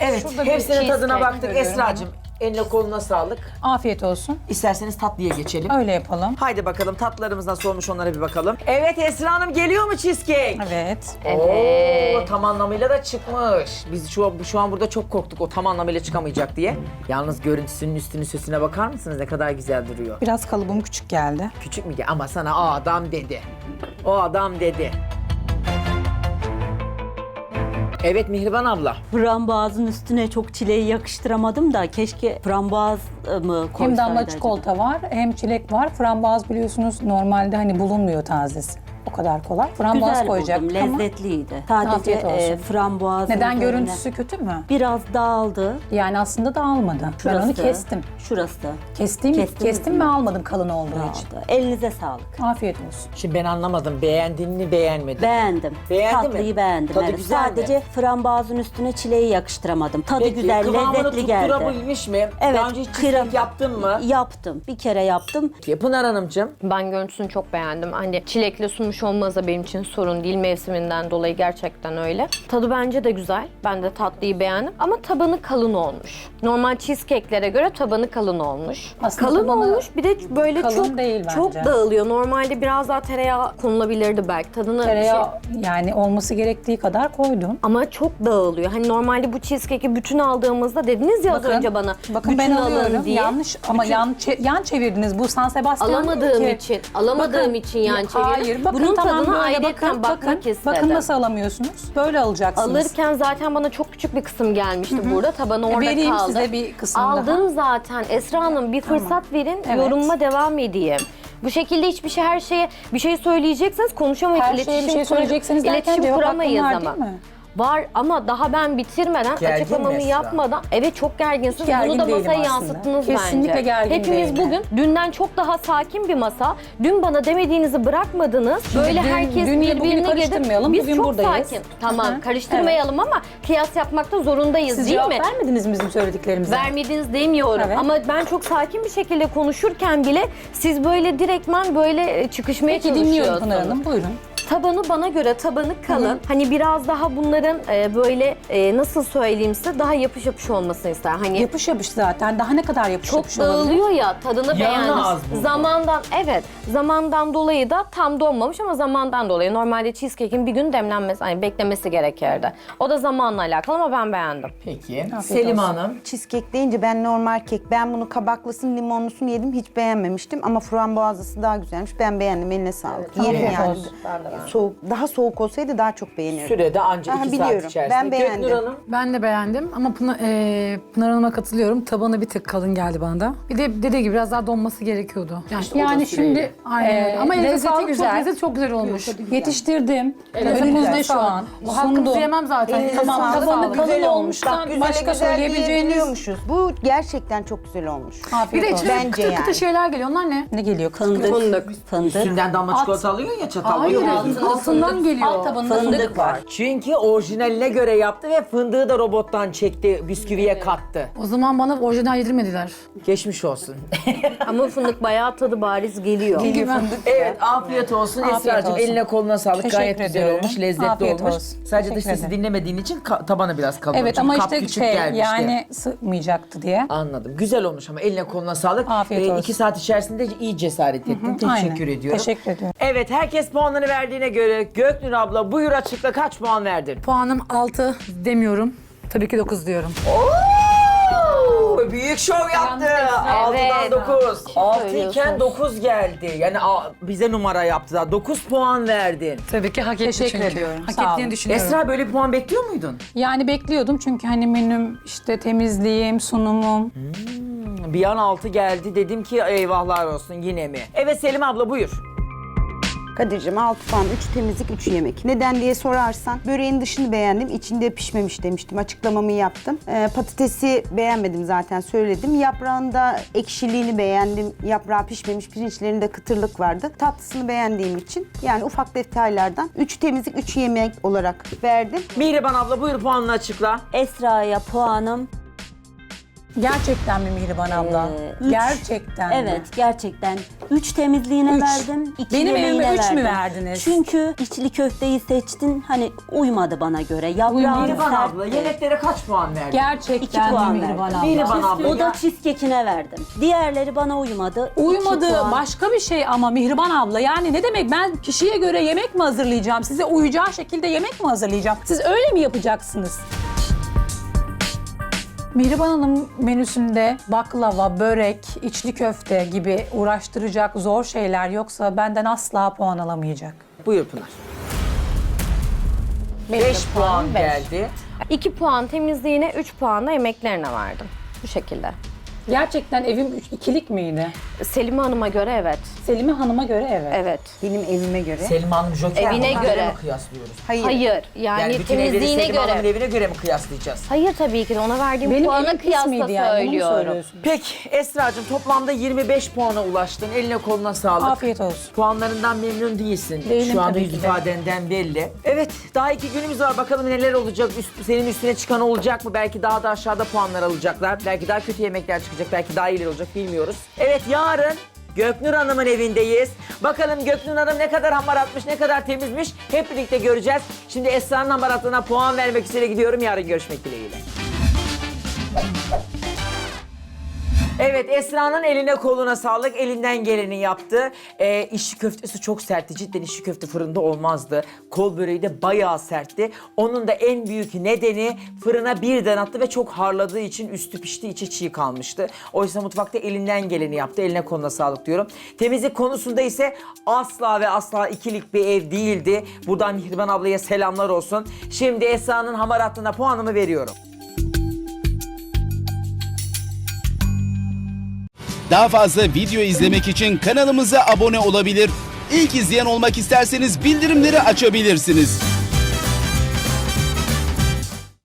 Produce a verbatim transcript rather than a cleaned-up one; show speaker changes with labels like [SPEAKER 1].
[SPEAKER 1] Evet,
[SPEAKER 2] Şurada bir
[SPEAKER 1] hepsinin tadına
[SPEAKER 2] cheesecake
[SPEAKER 1] baktık.
[SPEAKER 2] görüyorum.
[SPEAKER 1] Esra'cığım, eline koluna sağlık.
[SPEAKER 2] Afiyet olsun.
[SPEAKER 1] İsterseniz tatlıya geçelim.
[SPEAKER 2] Öyle yapalım.
[SPEAKER 1] Haydi bakalım tatlılarımız nasıl olmuş onlara bir bakalım. Evet Esra Hanım, geliyor mu cheesecake?
[SPEAKER 2] Evet.
[SPEAKER 1] Oo, tam anlamıyla da çıkmış. Biz şu, an- şu an burada çok korktuk o tam anlamıyla çıkamayacak diye. Yalnız görüntüsünün üstünü süsüne bakar mısınız? Ne kadar güzel duruyor.
[SPEAKER 2] Biraz kalıbım küçük geldi.
[SPEAKER 1] Küçük mü? Ama sana o adam dedi. O adam dedi. Evet Mihriban abla.
[SPEAKER 3] Frambuazın üstüne çok çileği yakıştıramadım da keşke frambuaz mı koysaydı
[SPEAKER 4] Hem damla
[SPEAKER 3] acaba?
[SPEAKER 4] çikolata var, hem çilek var. Frambuaz biliyorsunuz normalde hani bulunmuyor tazesi. O kadar kolay. Frambuaz
[SPEAKER 3] Güzel
[SPEAKER 4] koyacaktık
[SPEAKER 3] buldum,
[SPEAKER 4] ama
[SPEAKER 3] lezzetliydi. Sadece
[SPEAKER 4] Afiyet olsun.
[SPEAKER 3] e, frambuaz
[SPEAKER 4] neden görüntüsü kötü mü?
[SPEAKER 3] biraz dağıldı.
[SPEAKER 4] Yani aslında dağılmadı.
[SPEAKER 3] Şurası,
[SPEAKER 4] Ben onu kestim.
[SPEAKER 3] Şurası
[SPEAKER 4] Kestim,
[SPEAKER 3] Kestim
[SPEAKER 4] kestim
[SPEAKER 3] mi?
[SPEAKER 4] ve almadım kalın olduğu için.
[SPEAKER 3] dağıldı. Elinize sağlık.
[SPEAKER 4] Afiyet olsun.
[SPEAKER 1] Şimdi ben anlamadım. Beğendin mi beğenmedin?
[SPEAKER 3] Beğendim.
[SPEAKER 1] Beğendin mi?
[SPEAKER 3] Tatlıyı beğendim.
[SPEAKER 1] Tadı
[SPEAKER 3] evet.
[SPEAKER 1] güzel mi?
[SPEAKER 3] Sadece frambuazın üstüne çileği yakıştıramadım. Tadı
[SPEAKER 1] Peki,
[SPEAKER 3] güzel,
[SPEAKER 1] kıvamını
[SPEAKER 3] lezzetli geldi.
[SPEAKER 1] tutturabilmiş mi?
[SPEAKER 3] Evet,
[SPEAKER 1] Daha önce hiç
[SPEAKER 3] kıram-
[SPEAKER 1] cheesecake yaptın mı?
[SPEAKER 3] Yaptım. Bir kere yaptım.
[SPEAKER 1] Pınar Hanımcığım.
[SPEAKER 5] Ben görüntüsünü çok beğendim. Hani çilekle sunmuş olması da benim için sorun değil. Mevsiminden dolayı gerçekten öyle. Tadı bence de güzel. Ben de tatlıyı beğendim. Ama tabanı kalın olmuş. Normal cheesecake'lere göre tabanı kalın olmuş.
[SPEAKER 4] Aslında
[SPEAKER 5] kalın
[SPEAKER 4] tabanı
[SPEAKER 5] olmuş. Bir de böyle
[SPEAKER 4] kalın
[SPEAKER 5] çok
[SPEAKER 4] değil
[SPEAKER 5] çok
[SPEAKER 4] bence.
[SPEAKER 5] dağılıyor. Normalde biraz daha tereyağı konulabilirdi belki. Tadını
[SPEAKER 4] Tereyağı
[SPEAKER 5] şey-
[SPEAKER 4] yani olması gerektiği kadar koydum.
[SPEAKER 5] ama çok dağılıyor. Hani normalde bu cheesecake'i bütün aldığımızda dediniz ya az önce bana.
[SPEAKER 4] Bakın ben
[SPEAKER 5] bütün alın
[SPEAKER 4] alıyorum.
[SPEAKER 5] diye.
[SPEAKER 4] Yanlış ama
[SPEAKER 5] Bütün-
[SPEAKER 4] yan, çe- yan çevirdiniz. Bu San Sebastian değil
[SPEAKER 5] Alamadığım
[SPEAKER 4] ki.
[SPEAKER 5] için, alamadığım
[SPEAKER 4] Bakın,
[SPEAKER 5] için yan çevirdim.
[SPEAKER 4] Hayır, bakın
[SPEAKER 5] Bunun
[SPEAKER 4] tamam
[SPEAKER 5] tadına
[SPEAKER 4] böyle
[SPEAKER 5] ayrıyeten
[SPEAKER 4] bakın,
[SPEAKER 5] bakmak
[SPEAKER 4] bakın,
[SPEAKER 5] istedim.
[SPEAKER 4] bakın nasıl alamıyorsunuz. Böyle alacaksınız.
[SPEAKER 5] Alırken zaten bana çok küçük bir kısım gelmişti burada. Tabanı orada
[SPEAKER 4] Vereyim
[SPEAKER 5] kaldı.
[SPEAKER 4] size bir kısım
[SPEAKER 5] Aldım
[SPEAKER 4] daha.
[SPEAKER 5] zaten. Esra Hanım bir fırsat verin,
[SPEAKER 4] Evet.
[SPEAKER 5] yorumuma devam edeyim. Bu şekilde hiçbir şey, her şeye bir şey söyleyecekseniz konuşamayız.
[SPEAKER 4] Her şeye bir şey söyleyecekseniz derken
[SPEAKER 5] iletişim
[SPEAKER 4] cevap hakkım
[SPEAKER 5] kuramayız
[SPEAKER 4] var
[SPEAKER 5] ama.
[SPEAKER 4] değil mi?
[SPEAKER 5] Var ama daha ben bitirmeden,
[SPEAKER 1] Gergin mi
[SPEAKER 5] açıklamamı
[SPEAKER 1] Esra?
[SPEAKER 5] yapmadan, evet çok gerginsiniz.
[SPEAKER 4] Gergin
[SPEAKER 5] Bunu da
[SPEAKER 4] değilim
[SPEAKER 5] masaya
[SPEAKER 4] aslında.
[SPEAKER 5] yansıttınız
[SPEAKER 4] Kesinlikle
[SPEAKER 5] bence.
[SPEAKER 4] gergin
[SPEAKER 5] Hepimiz
[SPEAKER 4] değilim.
[SPEAKER 5] bugün dünden çok daha sakin bir masa. Dün bana demediğinizi bırakmadınız. Böyle
[SPEAKER 4] dün-
[SPEAKER 5] herkes
[SPEAKER 4] dünle bugünü
[SPEAKER 5] birbirine girdi.
[SPEAKER 4] karıştırmayalım,
[SPEAKER 5] Biz
[SPEAKER 4] bugün
[SPEAKER 5] çok
[SPEAKER 4] buradayız.
[SPEAKER 5] sakin. Tamam
[SPEAKER 4] Hı hı.
[SPEAKER 5] karıştırmayalım ama kıyas yapmakta zorundayız
[SPEAKER 4] Siz
[SPEAKER 5] değil
[SPEAKER 4] cevap
[SPEAKER 5] mi?
[SPEAKER 4] vermediniz mi bizim söylediklerimize?
[SPEAKER 5] Vermediniz demiyorum
[SPEAKER 4] Evet.
[SPEAKER 5] ama ben çok sakin bir şekilde konuşurken bile siz böyle direktmen böyle e, çıkışmaya
[SPEAKER 4] Peki dinliyorum
[SPEAKER 5] çalışıyorsunuz.
[SPEAKER 4] Pınar Hanım, buyurun.
[SPEAKER 5] Tabanı bana göre tabanı kalın. Hani biraz daha bunların e, böyle e, nasıl söyleyeyim size daha yapış yapış olmasını ister. Hani
[SPEAKER 4] Yapış yapış zaten. Daha ne kadar yapış
[SPEAKER 5] çok
[SPEAKER 4] yapış olabilir?
[SPEAKER 5] dağılıyor ya tadını
[SPEAKER 1] Yağını az
[SPEAKER 5] beğendim.
[SPEAKER 1] buldum.
[SPEAKER 5] Zamandan evet zamandan dolayı da tam donmamış ama zamandan dolayı normalde cheesecake'in bir gün demlenmesi hani beklemesi gerekirdi. O da zamanla alakalı ama ben beğendim.
[SPEAKER 1] Peki. Selim
[SPEAKER 4] olsun.
[SPEAKER 1] Hanım.
[SPEAKER 6] Cheesecake deyince ben normal kek. Ben bunu kabaklısını, limonlusunu yedim. Hiç beğenmemiştim ama frambuazlısı daha güzelmiş. Ben beğendim. Eline sağlık. Yerim
[SPEAKER 4] Afiyet
[SPEAKER 6] yani.
[SPEAKER 4] olsun.
[SPEAKER 6] Soğuk, daha soğuk olsaydı daha çok beğenirdim.
[SPEAKER 1] Sürede anca
[SPEAKER 6] Aha,
[SPEAKER 1] iki saat
[SPEAKER 6] biliyorum.
[SPEAKER 1] içerisinde.
[SPEAKER 6] Ben beğendim.
[SPEAKER 1] Göknur Hanım.
[SPEAKER 7] Ben de beğendim ama Pınar, e, Pınar Hanım'a katılıyorum. Tabanı bir tık kalın geldi bana da. Bir de dediği gibi biraz daha donması gerekiyordu. Yani,
[SPEAKER 4] Yani şimdi
[SPEAKER 7] aynen öyle.
[SPEAKER 4] e,
[SPEAKER 7] Ama elinize
[SPEAKER 4] lezzeti
[SPEAKER 7] sağlık,
[SPEAKER 4] güzel.
[SPEAKER 7] Çok, lezzeti çok güzel olmuş.
[SPEAKER 4] Yetiştirdim.
[SPEAKER 7] Elinize
[SPEAKER 4] Önümüzde şu
[SPEAKER 7] sağlık.
[SPEAKER 4] an.
[SPEAKER 7] Bu hakkınızı
[SPEAKER 4] Sundum.
[SPEAKER 7] yemem zaten.
[SPEAKER 6] Elinize
[SPEAKER 7] Tamam,
[SPEAKER 6] sağlık.
[SPEAKER 4] tabanı
[SPEAKER 7] sağlık.
[SPEAKER 4] kalın
[SPEAKER 6] Güzel olmuş.
[SPEAKER 4] olmuştan
[SPEAKER 6] Bak güzel
[SPEAKER 4] başka
[SPEAKER 6] güzel
[SPEAKER 4] söyleyebileceğiniz-
[SPEAKER 6] diyebiliyormuşuz. Bu gerçekten çok güzel olmuş.
[SPEAKER 7] Bir
[SPEAKER 4] Afiyet
[SPEAKER 7] de
[SPEAKER 4] olsun.
[SPEAKER 7] içine
[SPEAKER 6] Bence
[SPEAKER 7] kıtır kıtır
[SPEAKER 6] yani.
[SPEAKER 7] şeyler geliyor. Onlar ne?
[SPEAKER 4] Ne geliyor?
[SPEAKER 3] Fındık.
[SPEAKER 5] Fındık.
[SPEAKER 3] Fındık.
[SPEAKER 1] Üstünden damla çikolata alıyor ya çatalla.
[SPEAKER 7] Hayır,
[SPEAKER 1] yiyoruz.
[SPEAKER 7] altından geliyor.
[SPEAKER 4] Alt tabanında fındık var.
[SPEAKER 1] Çünkü orijinaline göre yaptı ve fındığı da robottan çekti, bisküviye kattı.
[SPEAKER 7] O zaman bana orijinal yedirmediler.
[SPEAKER 1] Geçmiş olsun.
[SPEAKER 5] Ama fındık bayağı tadı bariz geliyor.
[SPEAKER 7] Çünkü ben...
[SPEAKER 1] Evet, afiyet olsun
[SPEAKER 4] Afiyet
[SPEAKER 1] Esra'cığım.
[SPEAKER 4] olsun.
[SPEAKER 1] Eline koluna sağlık.
[SPEAKER 4] Teşekkür
[SPEAKER 1] Gayet güzel
[SPEAKER 4] ediyorum.
[SPEAKER 1] olmuş, lezzetli
[SPEAKER 4] Afiyet
[SPEAKER 1] olmuş.
[SPEAKER 4] olsun.
[SPEAKER 1] Sadece dış
[SPEAKER 4] Teşekkür
[SPEAKER 1] sesi
[SPEAKER 4] ederim.
[SPEAKER 1] dinlemediğin için ka- tabanı biraz kalın.
[SPEAKER 4] Evet
[SPEAKER 1] Çünkü
[SPEAKER 4] ama
[SPEAKER 1] kap
[SPEAKER 4] işte
[SPEAKER 1] küçük
[SPEAKER 4] şey
[SPEAKER 1] gelmişti.
[SPEAKER 4] yani sığmayacaktı diye.
[SPEAKER 1] Anladım. Güzel olmuş ama eline koluna sağlık.
[SPEAKER 4] Afiyet olsun.
[SPEAKER 1] İki saat içerisinde iyi cesaret ettin. Teşekkür
[SPEAKER 4] Aynen.
[SPEAKER 1] ediyorum.
[SPEAKER 4] Teşekkür ediyorum.
[SPEAKER 1] Evet, herkes puanını verdiğine göre Göknur abla buyur açıkla, kaç puan verdin?
[SPEAKER 7] Puanım altı demiyorum. Tabii ki dokuz diyorum.
[SPEAKER 1] Oo, büyük şov yaptı. altıdan
[SPEAKER 5] Evet.
[SPEAKER 1] dokuz. altı iken
[SPEAKER 5] söylüyorsunuz.
[SPEAKER 1] dokuz geldi. Yani a- bize numara yaptı da. dokuz puan verdin.
[SPEAKER 7] Tabii ki hak etti
[SPEAKER 4] Teşekkür
[SPEAKER 7] çünkü.
[SPEAKER 4] ediyorum,
[SPEAKER 7] Hak
[SPEAKER 4] sağ olun.
[SPEAKER 7] ettiğini düşünüyorum.
[SPEAKER 1] Esra böyle bir puan bekliyor muydun?
[SPEAKER 4] Yani bekliyordum çünkü hani menüm, işte temizliğim, sunumum.
[SPEAKER 1] Bir an altı geldi, dedim ki eyvahlar olsun yine mi? Evet Selim abla buyur.
[SPEAKER 6] Kadir'cim altı puan, üç temizlik, üç yemek. Neden diye sorarsan böreğin dışını beğendim, içinde pişmemiş demiştim. Açıklamamı yaptım. Ee, patatesi beğenmedim zaten söyledim. Yaprağında ekşiliğini beğendim. Yaprağı pişmemiş, pirinçlerinde kıtırlık vardı. Tatlısını beğendiğim için yani ufak detaylardan üç temizlik, üç yemek olarak verdim.
[SPEAKER 1] Mihriban abla buyur puanını açıkla.
[SPEAKER 3] Esra'ya puanım
[SPEAKER 4] Gerçekten mi Mihriban abla?
[SPEAKER 3] Ee, üç.
[SPEAKER 4] Gerçekten mi?
[SPEAKER 3] Evet, gerçekten. Üç temizliğine
[SPEAKER 4] Üç.
[SPEAKER 3] verdim, iki
[SPEAKER 4] Benim
[SPEAKER 3] yemeğine
[SPEAKER 4] evime üç mü
[SPEAKER 3] verdim.
[SPEAKER 4] verdiniz?
[SPEAKER 3] Çünkü içli köfteyi seçtin, hani uymadı bana göre. Yaprağın
[SPEAKER 1] Mihriban
[SPEAKER 3] sertti.
[SPEAKER 1] abla yemeklere kaç puan verdin?
[SPEAKER 3] İki
[SPEAKER 4] Gerçekten mi
[SPEAKER 3] puan
[SPEAKER 4] Mihriban
[SPEAKER 3] verdim.
[SPEAKER 4] abla?
[SPEAKER 1] Mihriban abla
[SPEAKER 3] O da
[SPEAKER 1] ya.
[SPEAKER 3] cheesecake'ine verdim. Diğerleri bana uymadı. İki
[SPEAKER 4] Uymadı
[SPEAKER 3] puan.
[SPEAKER 4] başka bir şey ama Mihriban abla, yani ne demek, ben kişiye göre yemek mi hazırlayacağım? Size uyacağı şekilde yemek mi hazırlayacağım? Siz öyle mi yapacaksınız? Mihriban Hanım menüsünde baklava, börek, içli köfte gibi uğraştıracak zor şeyler yoksa benden asla puan alamayacak.
[SPEAKER 1] Buyur Pınar. beş puan
[SPEAKER 5] beş.
[SPEAKER 1] geldi.
[SPEAKER 5] iki puan temizliğine, üç puan da yemeklerine verdim. Bu şekilde.
[SPEAKER 4] Gerçekten evim üç, ikilik miydi?
[SPEAKER 5] Selime Hanım'a göre evet.
[SPEAKER 4] Selime Hanım'a göre evet.
[SPEAKER 5] Evet.
[SPEAKER 6] Benim evime göre.
[SPEAKER 1] Selim Hanım Joker.
[SPEAKER 5] Evine
[SPEAKER 1] Onlara
[SPEAKER 5] göre.
[SPEAKER 1] mi kıyaslıyoruz?
[SPEAKER 6] Hayır.
[SPEAKER 5] Hayır. Yani,
[SPEAKER 1] Yani bütün evleri
[SPEAKER 5] temizliğine
[SPEAKER 1] Selim Hanım'ın
[SPEAKER 5] göre.
[SPEAKER 1] evine göre mi kıyaslayacağız?
[SPEAKER 5] Hayır tabii ki de ona verdiğim
[SPEAKER 4] Benim
[SPEAKER 5] puana
[SPEAKER 4] evim pis
[SPEAKER 5] kıyasla
[SPEAKER 4] miydi yani? Bunu mu
[SPEAKER 5] söylüyorum.
[SPEAKER 4] söylüyorsun?
[SPEAKER 1] Peki Esra'cığım toplamda yirmi beş puana ulaştın. Eline koluna sağlık.
[SPEAKER 4] Afiyet olsun.
[SPEAKER 1] Puanlarından memnun değilsin.
[SPEAKER 4] Değilim
[SPEAKER 1] Şu anda
[SPEAKER 4] tabii
[SPEAKER 1] yüz
[SPEAKER 4] ki de.
[SPEAKER 1] ifadenden belli. Evet daha iki günümüz var. Bakalım neler olacak. Üst, senin üstüne çıkan olacak mı? Belki daha da aşağıda puanlar alacaklar. Belki daha kötü yemekler çıkacak. Belki daha iyiler olacak bilmiyoruz. Evet yarın Göknur Hanım'ın evindeyiz. Bakalım Göknur Hanım ne kadar hamar atmış, ne kadar temizmiş hep birlikte göreceğiz. Şimdi Esra'nın hamaratlarına puan vermek üzere gidiyorum. Yarın görüşmek dileğiyle. Evet Esra'nın eline koluna sağlık. Elinden geleni yaptı. Ee, içli köftesi çok sertti. Cidden içli köfte fırında olmazdı. Kol böreği de bayağı sertti. Onun da en büyük nedeni fırına birden attı ve çok harladığı için üstü pişti, içi çiğ kalmıştı. Oysa mutfakta elinden geleni yaptı. Eline koluna sağlık diyorum. Temizlik konusunda ise asla ve asla ikilik bir ev değildi. Buradan Mihriban ablaya selamlar olsun. Şimdi Esra'nın hamaratlığına puanımı veriyorum.
[SPEAKER 8] Daha fazla video izlemek için kanalımıza abone olabilir. İlk izleyen olmak isterseniz bildirimleri açabilirsiniz.